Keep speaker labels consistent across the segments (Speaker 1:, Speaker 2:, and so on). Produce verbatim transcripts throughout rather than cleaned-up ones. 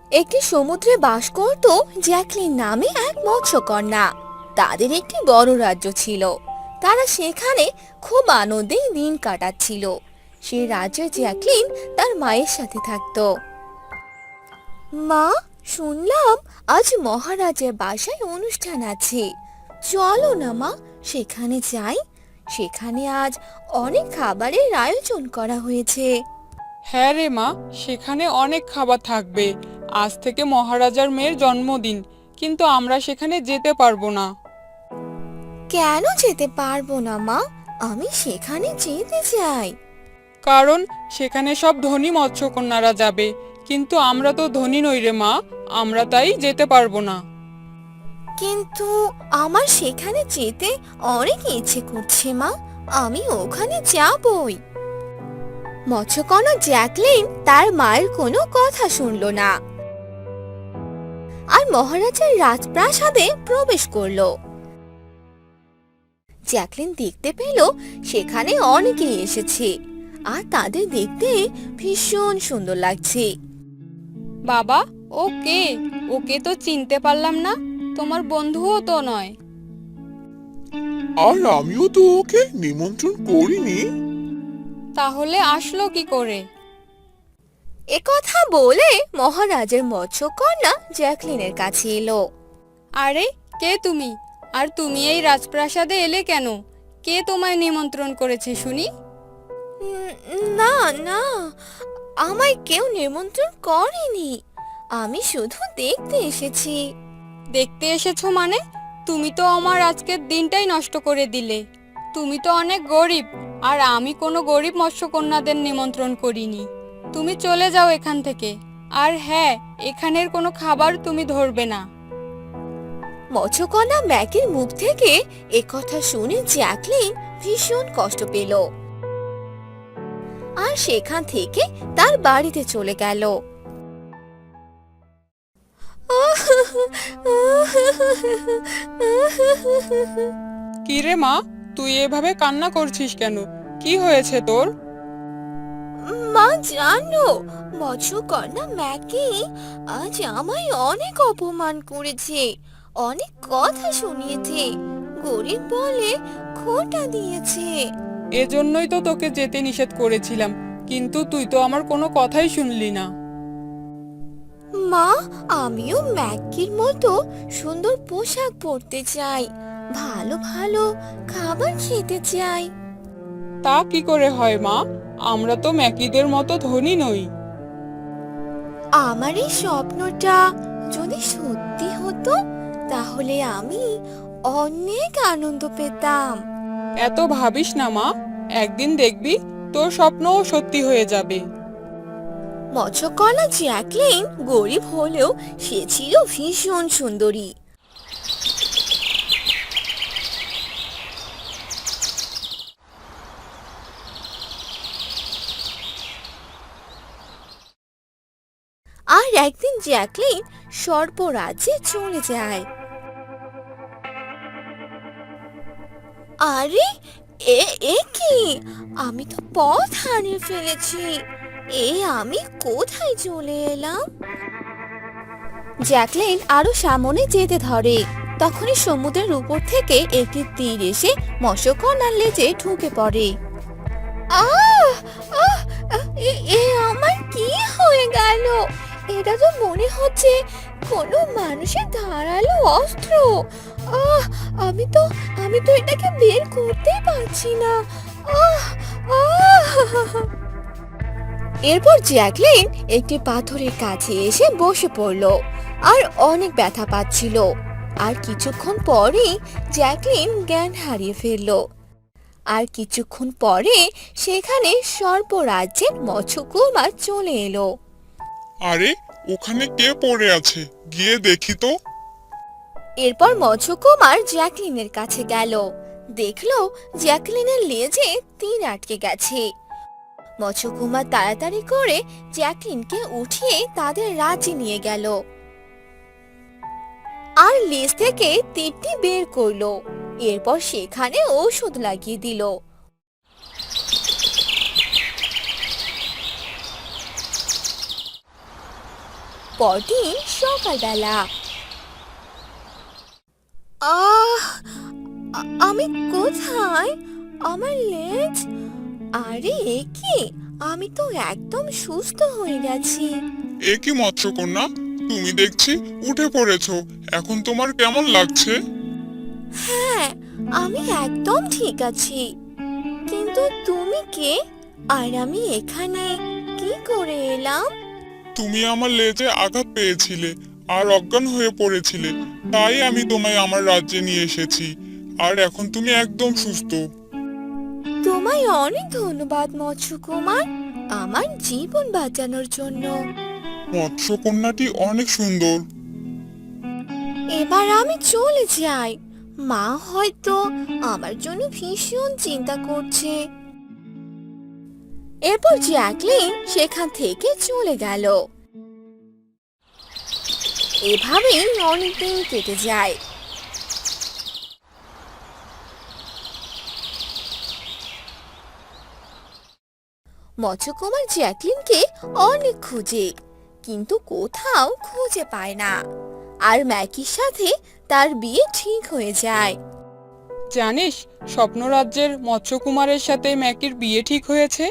Speaker 1: একটি সমুদ্রে বাস করত জ্যাকলিন নামে এক মৎস্যকন্যা। তাদের একটি বড় রাজ্য ছিল। তারা সেখানে খুব আনন্দে দিন কাটাচ্ছিল। সেই রাজ্যে জ্যাকলিন তার মায়ের সাথে থাকতো। মা, শুনলাম আজ মহারাজের বাসায় অনুষ্ঠান আছে। চলো না মা, সেখানে যাই। সেখানে আজ অনেক খাবারের আয়োজন করা হয়েছে।
Speaker 2: হ্যাঁ রে মা, সেখানে অনেক খাবার থাকবে। আজ থেকে মহারাজার মেয়ের জন্মদিন, কিন্তু আমরা সেখানে যেতে পারবো না।
Speaker 1: কেন যেতে পারবো না মা? আমি সেখানে যেতে চাই।
Speaker 2: কারণ সেখানে সব ধনী মৎস্যকন্যারা যাবে, কিন্তু আমরা তো ধনী নই রে মা, আমরা তাই যেতে পারবো না।
Speaker 1: কিন্তু আমার সেখানে যেতে অনেক ইচ্ছে করছে মা। আমি ওখানে যাবই। মৎস্যকন্যা জ্যাকলিন তার মায়ের কোনো কথা শুনলো না আর মহারাজার রাজপ্রাসাদে প্রবেশ করলো। জ্যাকলিন দেখতে পেল সেখানে অনেকেই এসেছে আর তাদের দেখতে ভীষণ সুন্দর লাগছে।
Speaker 3: বাবা, ও কে? ওকে তো চিনতে পারলাম না। তোমার বন্ধুও তো নয়।
Speaker 4: আর আমিও তো ওকে নিমন্ত্রণ করিনি।
Speaker 3: তাহলে আসলো কি করে?
Speaker 1: একথা বলে মহারাজের মৎস্যকন্যা জ্যাকলিনের কাছে এলো।
Speaker 3: আরে, কে তুমি? আর তুমি এই রাজপ্রাসাদে এলে কেন? কে তোমায় নিমন্ত্রণ করেছে শুনি?
Speaker 1: "উম, না না, আমায় কেউ নিমন্ত্রণ করেনি। আমি শুধু দেখতে এসেছি।
Speaker 3: দেখতে এসেছো মানে? তুমি তো আমার আজকের দিনটাই নষ্ট করে দিলে। তুমি তো অনেক গরিব, আর আমি কোনো গরিব মৎস্যকন্যাদের নিমন্ত্রণ করিনি। তুমি চলে যাও এখান থেকে। আর হ্যাঁ, এখানের কোনো খাবার তুমি ধরবে না।
Speaker 1: মৎস্যকন্যা ম্যাকির মুখ থেকে একথা শুনে জ্যাকলিন ভীষণ কষ্ট পেল আর সেখান থেকে তার বাড়িতে চলে গেল।
Speaker 2: কি রে মা, তুই এভাবে কান্না করছিস কেন? কি হয়েছে তোর?
Speaker 1: মা জানো, মৎস্যকন্যা ম্যাকি আজ আমায় অনেক অপমান করেছে, অনেক কথা শুনিয়েছে, গরিব বলে খোঁটা দিয়েছে।
Speaker 2: এজন্যই তো তোকে যেতে নিষেধ করেছিলাম, কিন্তু তুই তো আমার কোনো কথাই শুনলি না।
Speaker 1: মা, আমিও ম্যাকির মতো সুন্দর পোশাক পরতে চাই, ভালো ভালো খাবার খেতে চাই।
Speaker 2: তা কি করে হয় মা? আমরা তো ম্যাকিদের মতো ধনী নই।
Speaker 1: আমার এই স্বপ্নটা যদি সত্যি হতো তাহলে আমি অনেক আনন্দ পেতাম।
Speaker 2: এত ভাবিস না মা, একদিন দেখবি তোর স্বপ্নও সত্যি হয়ে যাবে।
Speaker 1: মৎস্যকন্যা জ্যাকলিন গরিব হলেও সে ছিল ভীষণ সুন্দরী। আর একদিন জ্যাকলিন সর্পরাজ্যে চলে যায়। আরে, এ এ কি? আমি তো পথ হারিয়ে ফেলেছি। এ আমি কোথায় চলে এলাম? জ্যাকলিন আরো সামনে যেতে ধরে। তখনই সমুদ্রের উপর থেকে একটি তীর এসে মৎস্যকন্যার লেজে ঢুকে পড়ে। আহ আহ আহ, এ এ আমার কি হয়ে গেল? এটা তো মনে হচ্ছে কোনো মানুষের ধারালো অস্ত্র। আহ আমি তো আমি তো এটাকে বের করতেই পারছি না। আহ আহ এরপর জ্যাকলিন একটি পাথরের কাছে এসে বসে পড়ল আর অনেক ব্যথা পাচ্ছিল। আর কিছুক্ষণ পরেই জ্যাকলিন জ্ঞান হারিয়ে ফেলল। আর কিছুক্ষণ পরে সেখানে সর্পরাজ্যের মৎস্যকুমার চলে এলো।
Speaker 4: আরে, ওখানে কে পড়ে আছে? গিয়ে দেখি তো।
Speaker 1: এরপর মৎস্যকুমার জ্যাকলিনের কাছে গেল। দেখলো জ্যাকলিনের লেজে তীর আটকে গেছে। মৎস্যকুমার তাড়াতাড়ি করে জ্যাকলিনকে উঠিয়ে তাদের রাজ্যে নিয়ে গেল আর লেজ থেকে তীরটি বের করলো। এরপর সেখানে ঔষধ লাগিয়ে দিল। পরদিন সকালবেলা। আহ আ- আমি কোথায়? আমার লেজ! আরে এ কি, আমি তো একদম সুস্থ হয়ে গেছি।
Speaker 4: এ কি মৎস্যকন্যা, তুমি দেখছি উঠে পড়েছো। এখন তোমার কেমন লাগছে?
Speaker 1: হ্যাঁ, আমি একদম ঠিক আছি। কিন্তু তুমি কে? আর আমি এখানে কি করে এলাম?
Speaker 4: তুমি আমার লেজে আঘাত পেয়েছিলে আর অজ্ঞান হয়ে পড়েছিলে, তাই আমি তোমায় আমার রাজ্যে নিয়ে এসেছি। আর এখন তুমি একদম সুস্থ।
Speaker 1: তোমায় অনেক ধন্যবাদ মৎস্যকুমার, আমার জীবন বাঁচানোর জন্য।
Speaker 4: মৎস্যকন্যাটি অনেক সুন্দর।
Speaker 1: এবার আমি চলে যাই। মা হয়তো আমার জন্য ভীষণ চিন্তা করছে। এরপর জ্যাকলিন সেখান থেকে চলে গেল। এভাবেই অনেকদিন কেটে যায়। মৎস্যকুমার জ্যাকলিনকে অনেক খুঁজে, কিন্তু কোথাও খুঁজে পায় না। আর ম্যাকির সাথে তার বিয়ে ঠিক হয়ে যায়।
Speaker 2: জানিস, স্বপ্নরাজ্যের মৎস্যকুমারের সাথে ম্যাকির বিয়ে ঠিক হয়েছে।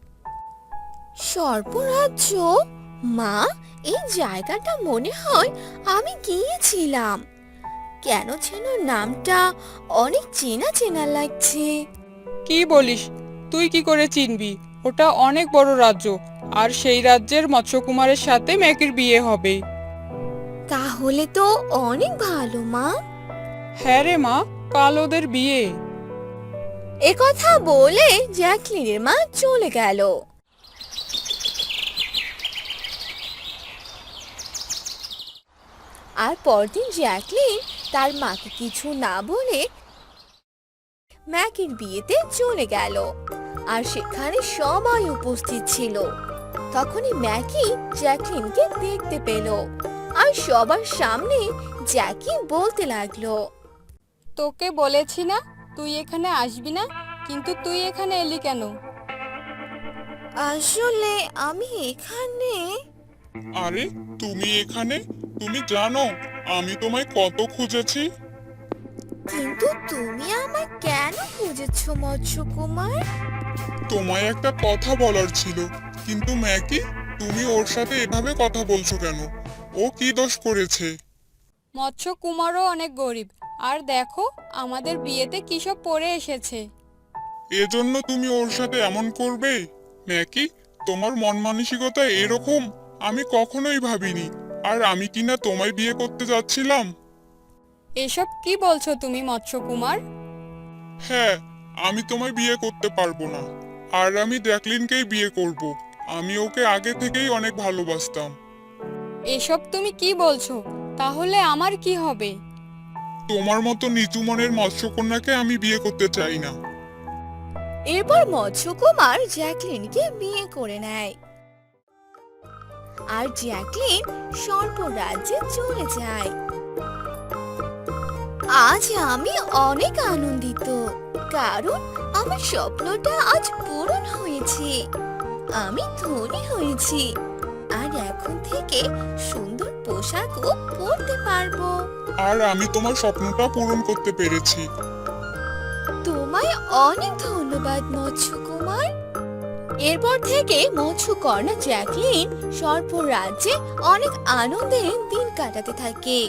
Speaker 1: সর্পরাজ্য? মা, এই জায়গাটা মনে হয় আমি গিয়েছিলাম। কেন যেন নামটা অনেক চেনা চেনা লাগছে।
Speaker 2: কি বলিস? তুই কি করে চিনবি? ওটা অনেক বড় রাজ্য, আর সেই রাজ্যের মৎস্যকুমারের সাথে ম্যাকির বিয়ে হবে।
Speaker 1: তাহলে তো অনেক ভালো মা।
Speaker 2: হ্যাঁ রে মা, কাল ওদের বিয়ে।
Speaker 1: একথা বলে জ্যাকলিনের মা চলে গেল। আর পরদিন জ্যাকলিন তার মাকে কিছু না বলে ম্যাকির বিয়েতে চলে গেল। আর সেখানে সবাই উপস্থিত ছিল। তখনই ম্যাকি জ্যাকলিনকে দেখতে পেল, আর সবার সামনে জ্যাকি বলতে লাগলো,
Speaker 3: তোকে বলেছি না তুই এখানে আসবি না, কিন্তু তুই এখানে এলি কেন?
Speaker 1: আসলে আমি এখানে।
Speaker 4: আরে তুমি এখানে? তুমি জানো আমি তোমায় কত খুঁজেছি।
Speaker 1: কিন্তু তুমি আমায় কেন খুঁজেছো মৎস্যকুমার?
Speaker 4: তোমায় একটা কথা বলার ছিল। কিন্তু ম্যাকি, তুমি ওর সাথে এভাবে কথা বলছো কেন? ও কি দোষ করেছে?
Speaker 3: মৎস্য কুমারও অনেক গরিব, আর দেখো আমাদের বিয়েতে কি সব পরে এসেছে।
Speaker 4: এজন্য তুমি ওর সাথে এমন করবে? ম্যাকি, তোমার মন মানসিকতা এরকম আমি কখনোই ভাবিনি। আর আমি কিনা তোমায় বিয়ে করতে যাচ্ছিলাম।
Speaker 3: এসব কি বলছো তুমি মৎস্য কুমার?
Speaker 4: হ্যাঁ, আমি তোমায় বিয়ে করতে পারবো না। আর আমি জ্যাকলিনকেই বিয়ে করব। আমি ওকে আগে থেকেই অনেক ভালোবাসতাম।
Speaker 3: এসব তুমি কি বলছো? তাহলে আমার কি হবে?
Speaker 4: তোমার মতো নিচু মনের মৎস্যকন্যাকে আমি বিয়ে করতে চাই না।
Speaker 1: এরপর মৎস্যকুমার জ্যাকলিনকে বিয়ে করে নেয়। আর জ্যাকলিন সর্প রাজ্যে চলে যায়। আজ আমি অনেক আনন্দিত, কারণ আমার স্বপ্নটা আজ পূরণ হয়েছে। আমি ধনী হয়েছি, আর এখন থেকে সুন্দর পোশাকও পরতে পারবো।
Speaker 4: আর আমি তোমার স্বপ্নটা পূরণ করতে পেরেছি।
Speaker 1: তোমায় অনেক ধন্যবাদ মৎস্যকুমার। এরপর থেকে মৎস্যকন্যা জ্যাকলিন সর্প রাজ্যে অনেক আনন্দে দিন কাটাতে থাকে।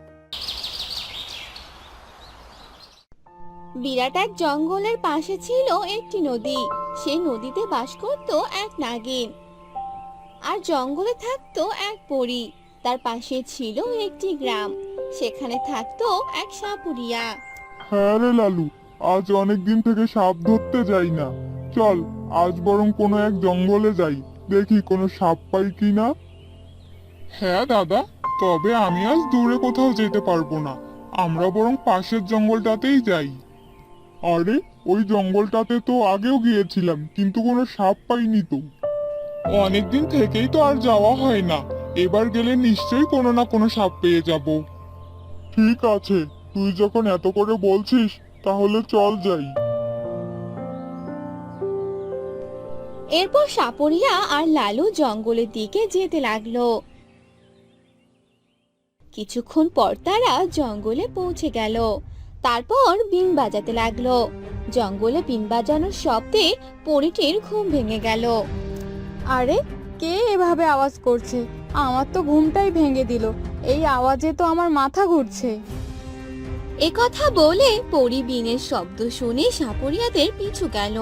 Speaker 1: বিরাট এক জঙ্গলের পাশে ছিল একটি নদী। সেই নদীতে বাস করত এক নাগিন, আর জঙ্গলে থাকতো এক পরী। তার পাশে ছিল একটি গ্রাম, সেখানে থাকতো এক সাপুরিয়া।
Speaker 5: হ্যাঁ রে লালু, আজ অনেক দিন থেকে সাপ ধরতে যাই না। চল আজ বরং কোনো এক জঙ্গলে যাই, দেখি কোনো সাপ পাই কিনা।
Speaker 4: হ্যাঁ দাদা, তবে আমি আজ দূরে কোথাও যেতে পারবো না। আমরা বরং পাশের জঙ্গলটাতেই যাই।
Speaker 5: আরে ওই জঙ্গলটাতে তো আগেও গিয়েছিলাম, কিন্তু কোনো সাপ পাইনি তো।
Speaker 4: অনেকদিন থেকেই তো আর যাওয়া হয় না। এবার গেলে নিশ্চয়ই কোনো না কোনো সাপ পেয়ে যাব।
Speaker 5: ঠিক আছে, তুই যখন এত করে বলছিস তাহলে চল যাই।
Speaker 1: এরপর সাপুরিয়া আর লালু জঙ্গলের দিকে যেতে লাগলো। কিছুক্ষণ পর তারা জঙ্গলে পৌঁছে গেল। তারপর বিন বাজাতে লাগলো। জঙ্গলে বিন বাজানোর শব্দে পরীটির ঘুম ভেঙে গেল।
Speaker 3: আরে কে এভাবে আওয়াজ করছে? আমার তো ঘুমটাই ভেঙে দিল। এই আওয়াজে তো আমার মাথা ঘুরছে।
Speaker 1: এ কথা বলে পরী বিনের শব্দ শুনে সাপুরিয়াদের পিছু গেল।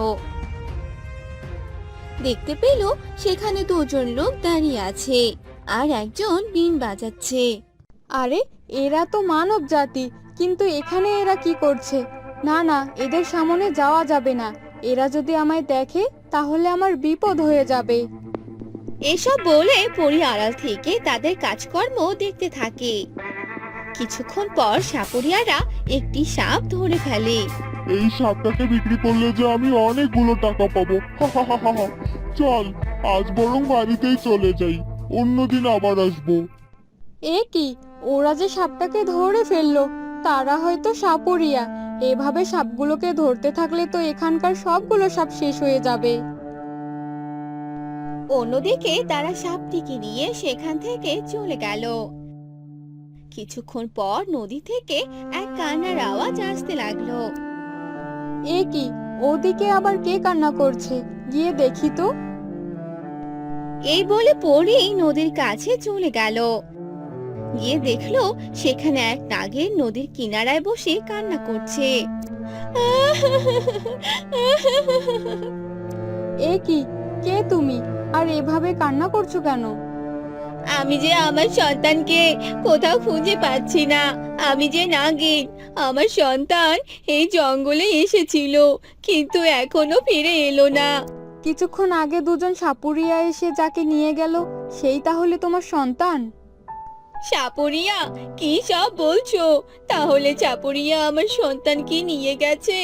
Speaker 1: দেখতে পেল সেখানে দুজন লোক দাঁড়িয়ে আছে আর একজন বিন বাজাচ্ছে।
Speaker 3: আরে এরা তো মানব জাতি, কিন্তু এখানে এরা কি করছে? না না, এদের সামনে যাওয়া যাবে না। এরা যদি আমায় দেখে তাহলে আমার বিপদ হয়ে যাবে।
Speaker 1: এসব বলে পরী আড়াল থেকে তাদের কাজকর্ম দেখতে থাকে। কিছুক্ষণ পর সাপুরিয়ারা একটি সাপ ধরে ফেলে।
Speaker 5: এই সাপটাকে বিক্রি করলে যে আমি অনেকগুলো টাকা পাবো। হা হা হা হা হা। চল আজ বরং বাড়িতেই চলে যাই, অন্যদিন আবার আসবো।
Speaker 3: এ কি, ওরা যে সাপটাকে ধরে ফেললো। তারা হয়তো সাপুরিয়া। এভাবে সাপগুলোকে ধরতে থাকলে তো এখানকার সবগুলো সাপ শেষ হয়ে যাবে।
Speaker 1: অন্যদিকে তারা সাপটিকে নিয়ে সেখান থেকে চলে গেল। কিছুক্ষণ পর নদী থেকে এক কান্নার আওয়াজ আসতে লাগলো।
Speaker 3: এ কি, ওদিকে আবার কে কান্না করছে? গিয়ে দেখি তো।
Speaker 1: এই বলে পরী নদীর কাছে চলে গেল। গিয়ে দেখলো সেখানে এক নাগের নদীর কিনারায় বসে কান্না করছে।
Speaker 3: এ কি, কে তুমি? আর এভাবে কান্না করছো কেন?
Speaker 1: আমি যে আমার সন্তানকে কোথাও খুঁজে পাচ্ছি না। আমি যে নাগিন। আমার সন্তান এই জঙ্গলে এসেছিল, কিন্তু এখনো ফিরে এলো না।
Speaker 3: কিছুক্ষণ আগে দুজন সাপুরিয়া এসে যাকে নিয়ে গেল, সেই তাহলে তোমার সন্তান?
Speaker 1: সাপুরিয়া, কি সব বলছো? তাহলে সাপুরিয়া আমার সন্তানকে নিয়ে গেছে।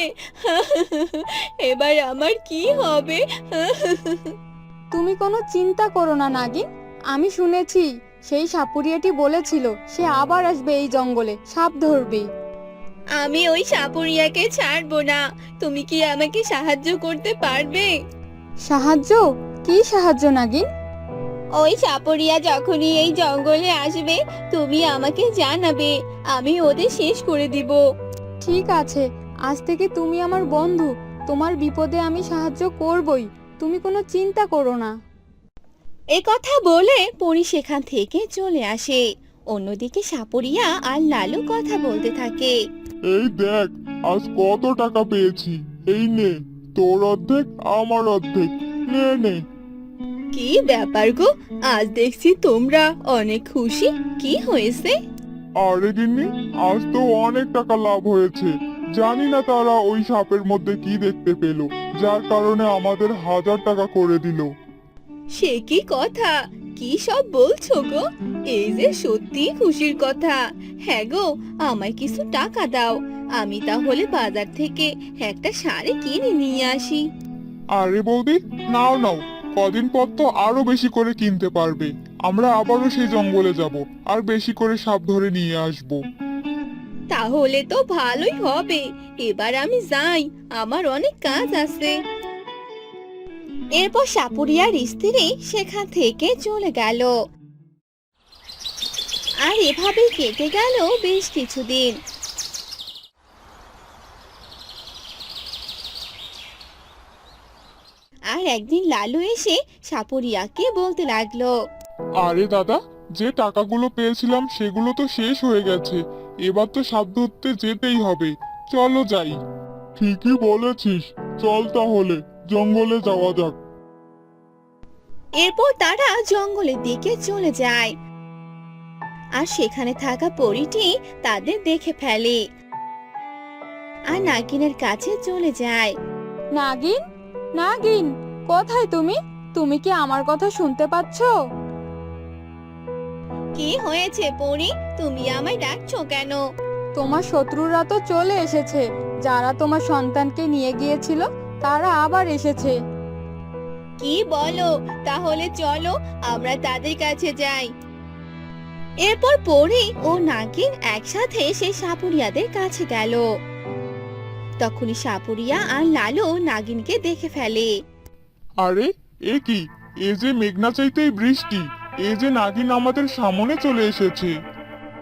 Speaker 1: এবার আমার কি হবে?
Speaker 3: তুমি কোনো চিন্তা করো না নাগিন। আমি শুনেছি সেই সাপুরিয়াটি বলেছিল সে আবার আসবে এই জঙ্গলে সাপ ধরবে।
Speaker 1: আমি ওই সাপুরিয়াকে ছাড়বো না। তুমি কি আমাকে সাহায্য করতে পারবে?
Speaker 3: সাহায্য? কি সাহায্য নাগিন?
Speaker 1: ওই সাপুরিয়া যখনই এই জঙ্গলে আসবে তুমি আমাকে জানাবে। আমি ওদের শেষ করে দিব।
Speaker 3: ঠিক আছে, আজ থেকে তুমি আমার বন্ধু। তোমার বিপদে আমি সাহায্য করবই। তুমি কোনো চিন্তা করো না।
Speaker 1: এ কথা বলে পরী সেখান থেকে চলে আসে। অন্যদিকে সাপুরিয়া আর লালু কথা বলতে থাকে।
Speaker 5: এই দেখ, আজ কত টাকা পেয়েছি। এই নে, তোর অর্ধেক আমার অর্ধেক। নে নে।
Speaker 1: কি ব্যাপার গো, আজ দেখছি তোমরা অনেক খুশি। কি হয়েছে?
Speaker 5: আরে গিন্নি, আজ তো অনেক টাকা লাভ হয়েছে। জানি না তারা ওই সাপের মধ্যে কি দেখতে পেল, যার কারণে আমাদের হাজার টাকা করে দিল।
Speaker 1: সে কি কথা? কি সব বলছো গো? এই যে সত্যি খুশির কথা। হ্যাঁ গো, আমায় কিছু টাকা দাও। আমি তাহলে বাজার থেকে একটা শাড়ি কিনে নিয়ে আসি।
Speaker 5: আরে বৌদি, নাও নাও, কদিন পর তো আরো বেশি করে কিনতে পারবে। আমরা আবারও সেই জঙ্গলে যাব আর বেশি করে সাপ ধরে নিয়ে আসবো।
Speaker 1: তাহলে তো ভালোই হবে। এবার আমি যাই, আমার অনেক কাজ আছে। এরপর সাপুরিয়ার স্ত্রী সেখান থেকে চলে গেল। আর এভাবে কেটে গেল বেশ কিছুদিন। আর একদিন লালু এসে সাপুরিয়াকে বলতে লাগলো।
Speaker 5: আরে দাদা, যে টাকাগুলো পেয়েছিলাম সেগুলো তো শেষ হয়ে গেছে। এবার তো সাপ ধরতে যেতেই হবে। চলো যাই। ঠিকই বলেছিস, চল তাহলে জঙ্গলে যাওয়া যাক।
Speaker 1: এরপর তারা জঙ্গলের দিকে চলে যায়। আর সেখানে থাকা পরীটি তাদের দেখে ফেলে আর নাগিনের কাছে চলে যায়।
Speaker 3: নাগিন, নাগিন, কোথায় তুমি? তুমি কি আমার কথা শুনতে পাচ্ছো?
Speaker 1: কি হয়েছে পরী? তুমি আমায় ডাকছো কেন?
Speaker 3: তোমার শত্রুরা তো চলে এসেছে। যারা তোমার সন্তানকে নিয়ে গিয়েছিল তারা আবার এসেছে।
Speaker 1: কি বলো? তাহলে চলো আমরা তাদের কাছে যাই। এরপর পরী ও নাগিন একসাথে সেই সাপুরিয়াদের কাছে গেল। তখনই সাপুরিয়া আর লালু নাগিনকে দেখে ফেলে।
Speaker 5: আরে এ কি, এ যে মেঘনা চাইতেই বৃষ্টি। এ যে নাগিন আমাদের সামনে চলে এসেছে।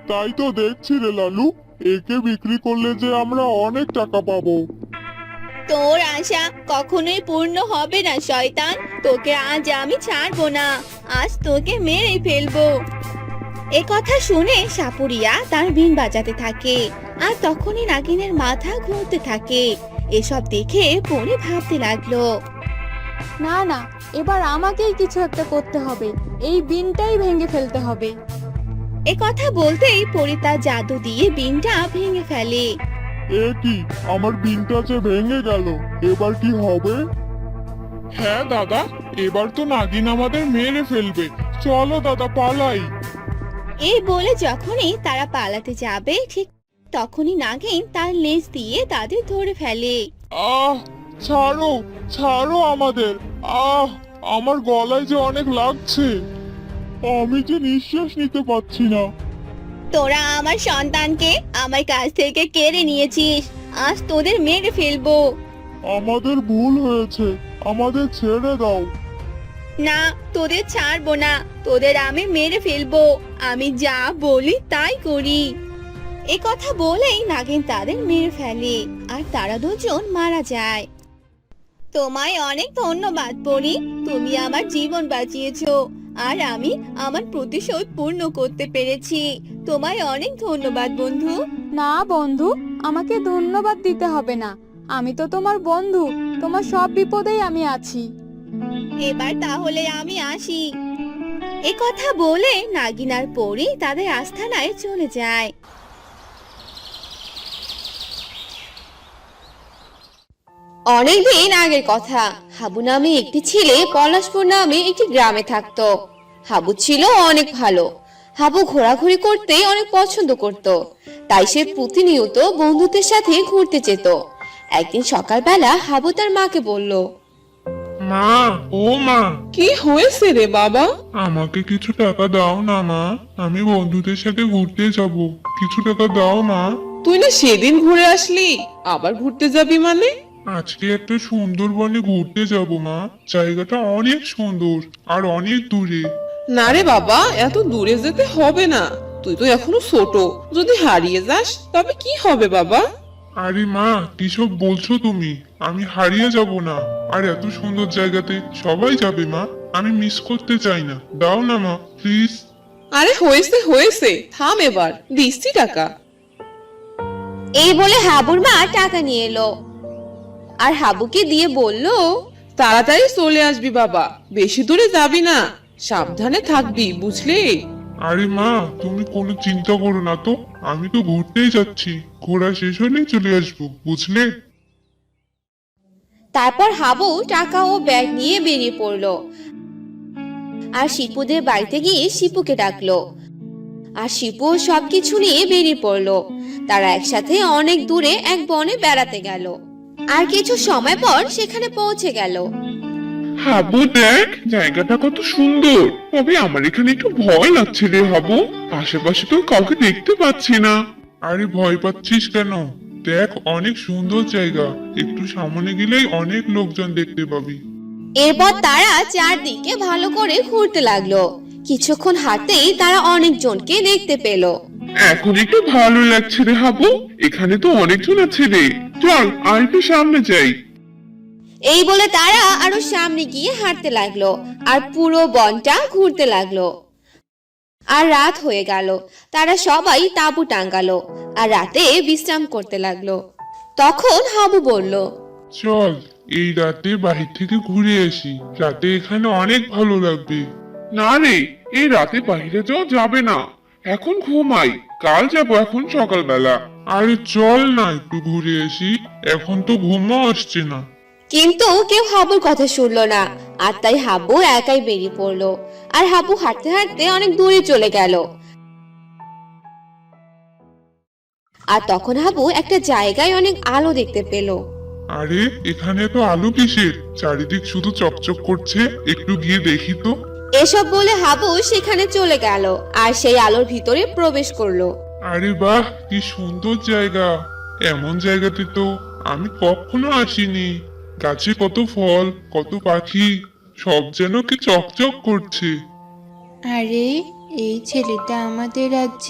Speaker 5: তাই তো দেখছি রে লালু, একে বিক্রি করলে যে আমরা অনেক টাকা পাবো।
Speaker 1: তোর আশা কখনোই পূর্ণ হবে না শয়তান। তোকে আজ আমি ছাড়বো না, আজ তোকে মেরে ফেলবো। এ কথা শুনে সাপুরিয়া তার বিন বাজাতে থাকে, আর তখনই নাগিনের মাথা ঘুরতে থাকে। এসব দেখে পরি ভাবতে লাগলো,
Speaker 3: না না, এবার আমাকেই কিছু একটা করতে হবে, এই বিনটাই ভেঙে ফেলতে হবে।
Speaker 1: এ কথা বলতেই পরি তার জাদু দিয়ে বিনটা ভেঙে ফেলে।
Speaker 5: এ কি, আমার বিনটা যে ভেঙে গেল, এবার কি হবে? হ্যাঁ দাদা, এবার তো নাগিন আমাদের মেরে ফেলবে। চলো দাদা পালাই।
Speaker 1: এই বলে যখনই তারা পালাতে যাবে ঠিক তখনই নাগিন তার লেজ দিয়ে তাদের ধরে ফেলে।
Speaker 5: আহ, ছাড়ো ছাড়ো আমাদের। আহ, আমার গলায় যে অনেক লাগছে, আমি যে নিঃশ্বাস নিতে পারছি না।
Speaker 1: তোরা আমার সন্তানকে আমার কাছ থেকে কেড়ে নিয়েছিস, আজ তোদের মেরে ফেলবো।
Speaker 5: আমাদের ভুল হয়েছে, আমাদের ছেড়ে দাও।
Speaker 1: না, তোদের ছাড়বো না, তোদের আমি মেরে ফেলবো। আমি যা বলি তাই করি। এ কথা বলেই নাগিন তাদের মেরে ফেলে, আর তারা দুজন মারা যায়। তোমায় অনেক ধন্যবাদ পরি, তুমি আমার জীবন বাঁচিয়েছো, আর আমি আমার প্রতিশোধ পূর্ণ করতে পেরেছি। তোমায় অনেক ধন্যবাদ বন্ধু।
Speaker 3: না বন্ধু, আমাকে ধন্যবাদ দিতে হবে না, আমি তো তোমার বন্ধু, তোমার সব বিপদেই আমি আছি।
Speaker 1: এবার তাহলে আমি আসি। এ কথা বলে নাগিন আর পরি তাদের আস্থানায় চলে যায়। অনেকদিন আগের কথা, হাবু নামে একটি ছেলে পলাশপুর নামে একটি গ্রামে থাকতো। হাবু ছিল অনেক ভালো। হাবু ঘোরাঘুরি করতে অনেক পছন্দ করত, তাই সে প্রতিনিয়ত বন্ধুদের সাথে ঘুরতে যেত। একদিন সকালবেলা হাবু তার মাকে বলল,
Speaker 5: মা, ও মা,
Speaker 6: কি হয়েছে রে বাবা?
Speaker 5: আমাকে কিছু টাকা দাও না মা, আমি বন্ধুদের সাথে ঘুরতে যাব, কিছু টাকা দাও মা।
Speaker 6: তুই না সেদিন ঘুরে আসলি, আবার ঘুরতে যাবি মানে?
Speaker 5: আজকে একটা সুন্দরবনে ঘুরতে যাব মা, জায়গাটা অনেক সুন্দর আর অনেক দূরে।
Speaker 6: না রে বাবা, এত দূরে যেতে হবে না, তুই তো এখনো ছোট, যদি হারিয়ে যাস তবে কি হবে বাবা?
Speaker 5: আরে মা, কিসব বলছো তুমি? আমি হারিয়ে যাব না, আর এত সুন্দর জায়গাতে সবাই যাবে মা, আমি মিস করতে চাই না, দাও না মা প্লিজ।
Speaker 6: আরে হয়েছে হয়েছে, থাম এবার, দিচ্ছি টাকা।
Speaker 1: এই বলে হাবুর মা টাকা নিয়ে এলো, আর হাবুকে দিয়ে বলল,
Speaker 6: তাড়াতাড়ি চলে আসবি বাবা, বেশি দূরে যাবি না, সাবধানে থাকবি বুঝলি?
Speaker 5: আরে মা, তুমি কোনো চিন্তা করো না তো, আমি তো ঘুরতেই যাচ্ছি, ঘোরা শেষ হলেই চলে আসবো, বুঝলে?
Speaker 1: তারপর হাবু টাকা ও ব্যাগ নিয়ে বেরিয়ে পড়লো, আর শিপুদের বাড়িতে গিয়ে শিপুকে ডাকলো, আর শিপু সবকিছু নিয়ে বেরিয়ে পড়লো। তারা একসাথে অনেক দূরে এক বনে বেড়াতে গেল, আর কিছু সময় পর সেখানে পৌঁছে গেল।
Speaker 5: হাবু দেখ, জায়গাটা কত সুন্দর, তবে আমার এখানে একটু ভয় লাগছে রে হাবু, আশেপাশে তো কাউকে দেখতে পাচ্ছি না। আরে ভয় পাচ্ছিস কেন? দেখ অনেক সুন্দর জায়গা, একটু সামনে গেলেই অনেক লোকজন দেখতে পাবি।
Speaker 1: এরপর তারা চারদিকে ভালো করে ঘুরতে লাগলো। কিছুক্ষণ হাঁটতেই তারা অনেকজনকে দেখতে পেল।
Speaker 5: এখন একটু ভালো লাগছে রে হাবু, এখানে তো অনেকজন আছে রে, চল আর একটু সামনে যাই।
Speaker 1: এই বলে তারা আরো সামনে গিয়ে হাঁটতে লাগলো, আর পুরো বনটা ঘুরতে লাগলো। আর রাত হয়ে গেল, তারা সবাই তাঁবু টাঙ্গালো, আর রাতে বিশ্রাম করতে লাগলো। তখন হাবু বলল,
Speaker 5: চল এই রাতে বাহির থেকে ঘুরে আসি, রাতে এখানে অনেক ভালো লাগবে। না রে, এই রাতে বাইরে যাওয়া যাবে না, এখন ঘুমাই, কাল যাবো এখন সকালবেলা। আরে চল না একটু ঘুরে আসি, এখন তো ঘুমও আসছে না।
Speaker 1: কিন্তু কেউ হাবুর কথা শুনলো না, আর তাই হাবু একাই বেরিয়ে পড়লো। আর হাবু হাঁটতে হাঁটতে অনেক দূরে চলে গেল। আর তখন হাবু একটা জায়গায় অনেক আলো দেখতে পেল।
Speaker 5: আরে এখানে তো আলো কিসের, চারিদিক শুধু চকচক করছে, একটু গিয়ে দেখি তো।
Speaker 1: এসব বলে হাবু সেখানে চলে গেল, আর সেই আলোর ভিতরে প্রবেশ করলো।
Speaker 5: আরে বাহ, কি সুন্দর জায়গা, এমন জায়গাতে তো আমি কখনো আসিনি। গাছে কত ফল, কত পাখি, সব যেন কি চকচক করছে।
Speaker 7: আরে এই ছেলেটা আমাদের রাজ্যে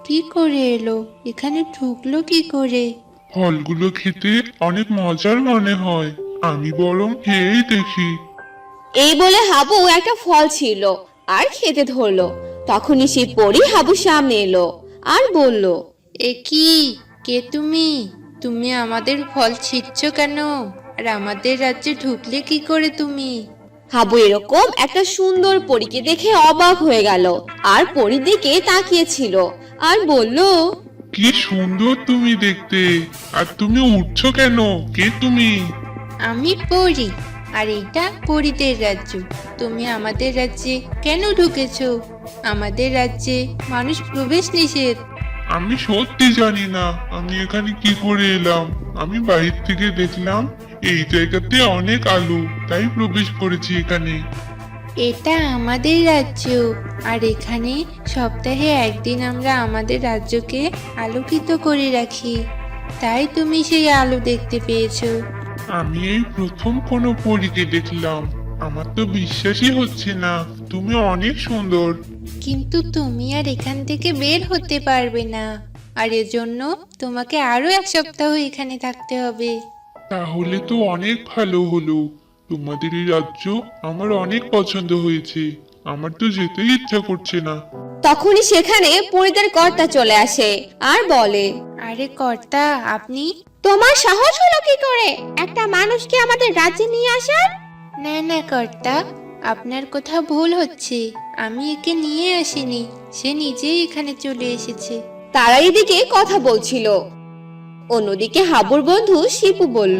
Speaker 7: কি করে এলো? এখানে ঢুকলো কি করে?
Speaker 5: ফলগুলো খেতে অনেক মজার মনে হয়, আমি বরং খেয়েই দেখি।
Speaker 1: এই বলে হাবু একটা ফল ছিল আর খেতে ধরলো। তখনই সেই পরী হাবুর সামনে এলো আর বলল,
Speaker 7: এ কি? কে তুমি? তুমি আমাদের ফল ছিঁড়ছ কেন? আর আমাদের রাজ্যে ঢুকলে কি করে তুমি?
Speaker 1: হাবু এরকম একটা সুন্দর পরীকে দেখে অবাক হয়ে গেল আর পরীর দিকে তাকিয়েছিল আর বলল,
Speaker 5: কি সুন্দর তুমি দেখতে, আর তুমি উঠছো কেন? কে তুমি?
Speaker 7: আমি পড়ি, আর এটা পরীদের রাজ্য। তুমি আমাদের রাজ্যে কেন ঢুকেছো? আমাদের রাজ্যে মানুষ প্রবেশ নিষেধ।
Speaker 5: আমি সত্যি জানি না আমি এখানে কি করে এলাম। আমি বাইরে থেকে দেখলাম এই জায়গাতে অনেক আলো, তাই প্রবেশ করেছি এখানে।
Speaker 7: এটা আমাদের রাজ্য, আর এখানে সপ্তাহে একদিন আমরা আমাদের রাজ্যকে আলোকিত করে রাখি। তাই তুমি সেই আলো দেখতে পেয়েছো।
Speaker 5: আমি এই প্রথম কোনো পরীকে দেখলাম, আমার তো বিশ্বাসই হচ্ছে না। তুমি অনেক সুন্দর।
Speaker 7: কিন্তু তুমি আর এখান থেকে বের হতে পারবে না, আর এজন্য তোমাকে আরো এক সপ্তাহ এখানে থাকতে হবে।
Speaker 5: তাহলে তো অনেক ভালো হলো। তোমাদের এই রাজ্য আমার অনেক পছন্দ হয়েছে, আমার তো যেতেই ইচ্ছা করছে না।
Speaker 1: তখনই সেখানে পরীদের কর্তা চলে আসে আর বলে,
Speaker 7: আরে কর্তা, আপনি?
Speaker 1: তোমার সাহস হলো কি করে একটা মানুষকে আমাদের রাজ্যে নিয়ে আসার?
Speaker 7: না না কর্তা, আপনার কোথাও ভুল হচ্ছে। আমি একে নিয়ে আসিনি, সে নিজেই এখানে চলে এসেছে।
Speaker 1: তারা এদিকে কথা বলছিল। অন্যদিকে হাবুর বন্ধু শিপু বলল,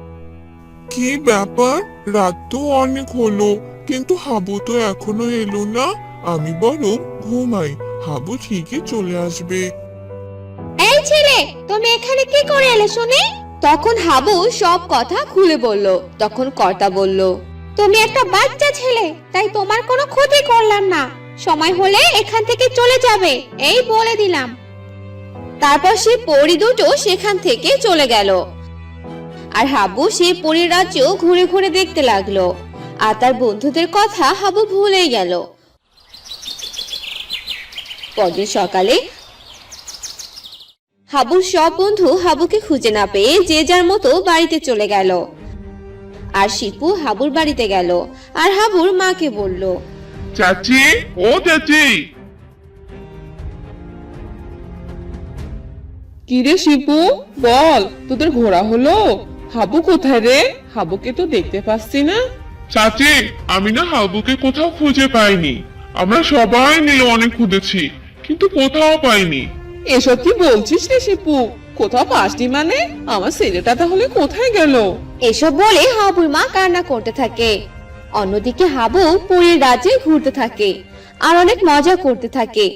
Speaker 8: কি ব্যাপার? রাত তো অনেক হলো, কিন্তু হাবু তো এখনো এলো না। আমি বরং ঘুমাই, হাবু ঠিকই চলে আসবে।
Speaker 1: এই ছেলে, তুমি এখানে কি করে এলে শুনি? তখন হাবু সব কথা খুলে বলল। তখন কর্তা বলল, তুমি একটা বাচ্চা ছেলে, তাই তোমার কোনো ক্ষতি করলাম না। সময় হলে এখান থেকে চলে যাবে, এই বলে দিলাম। তারপর সে পরী দুটো সেখান থেকে চলে গেল। আর হাবু সেই পরীর রাজ্য ঘুরে ঘুরে দেখতে লাগলো। আর তার বন্ধুদের কথা হাবু ভুলেই গেল। পরদিন সকালে হাবুর সব বন্ধু হাবুকে খুঁজে না পেয়ে যে যার মতো বাড়িতে চলে গেল। আর শিপু হাবুর বাড়িতে গেল আর হাবুর মাকে বলল,
Speaker 5: চাচি, ও চাচি।
Speaker 6: কিরে শিপু, বল, তোদের ঘোরা হলো? হাবু কোথায় রে? হাবুকে তো দেখতে পাচ্ছি না।
Speaker 5: চাচি, আমি না হাবুকে কোথাও খুঁজে পাইনি। আমরা সবাই মিলে অনেক খুঁজেছি, কিন্তু কোথাও পাইনি।
Speaker 6: এসব কি বলছিস রে শিপু? কোথাও পাসনি মানে? আমার ছেলেটা তাহলে কোথায় গেল?
Speaker 1: এসব বলে হাবুর মা কান্না করতে থাকে। অন্যদিকে হাবু পরীর রাজ্যে ঘুরতে থাকে আর অনেক মজা করতে থাকে।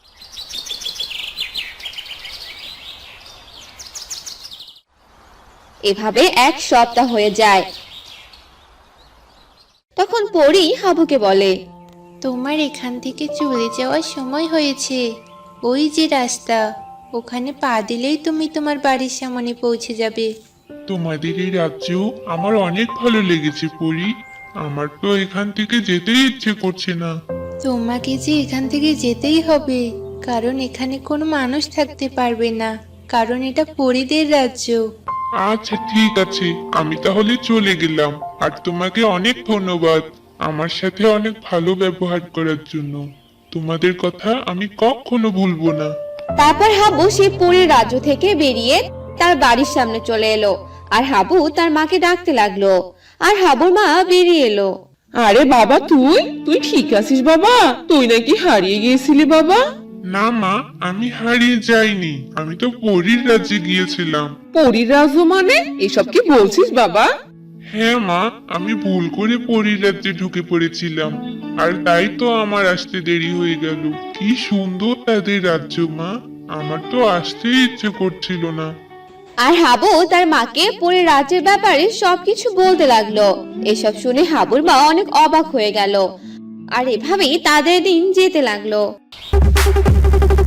Speaker 1: এভাবে এক সপ্তাহ হয়ে যায়। তখন পরী হাবুকে বলে,
Speaker 7: তোমার এখান থেকে চলে যাওয়ার সময় হয়েছে। ওই যে রাস্তা, ওখানে পা দিলেই তুমি তোমার বাড়ির সামনে পৌঁছে যাবে।
Speaker 5: তোমাদের এই রাজ্য আমার অনেক ভালো লেগেছে পরি। আমার তো এখান থেকে যেতেই ইচ্ছে করছে না।
Speaker 7: তোমাকে যে এখান থেকে যেতেই হবে, কারণ এখানে কোনো মানুষ থাকতে পারবে না, কারণ এটা পরীদের রাজ্য।
Speaker 5: আচ্ছা ঠিক আছে, আমি তাহলে চলে গেলাম। আর তোমাকে অনেক ধন্যবাদ আমার সাথে অনেক ভালো ব্যবহার করার জন্য। তোমাদের কথা আমি কখনো ভুলবো না।
Speaker 1: তারপর হাবু সেই পরীর রাজ্য থেকে বেরিয়ে তার বাড়ির সামনে চলে এলো। আর হাবু তার মাকে ডাকতে লাগলো। আর হাবুর মা বেরিয়ে এলো।
Speaker 6: আরে বাবা, তুই তুই ঠিক আছিস বাবা? তুই নাকি হারিয়ে গিয়েছিলি বাবা?
Speaker 5: না মা, আমি হারিয়ে যাইনি, আমি তো পরীর রাজ্যে গিয়েছিলাম।
Speaker 6: পরীর রাজ্য মানে? এসব কি বলছিস বাবা?
Speaker 5: হ্যাঁ মা, আমি ভুল করে পরীর রাজ্যে ঢুকে পড়েছিলাম, আর তাই তো আমার আসতে দেরি হয়ে গেল। কি সুন্দর তাদের রাজ্য মা, আমার তো আসতেই ইচ্ছে করছিল না।
Speaker 1: আর হাবু তার মাকে পরীর রাজ্যের ব্যাপারে সবকিছু বলতে লাগলো। এসব শুনে হাবুর মা অনেক অবাক হয়ে গেল। আর এভাবেই তাদের দিন যেতে লাগলো।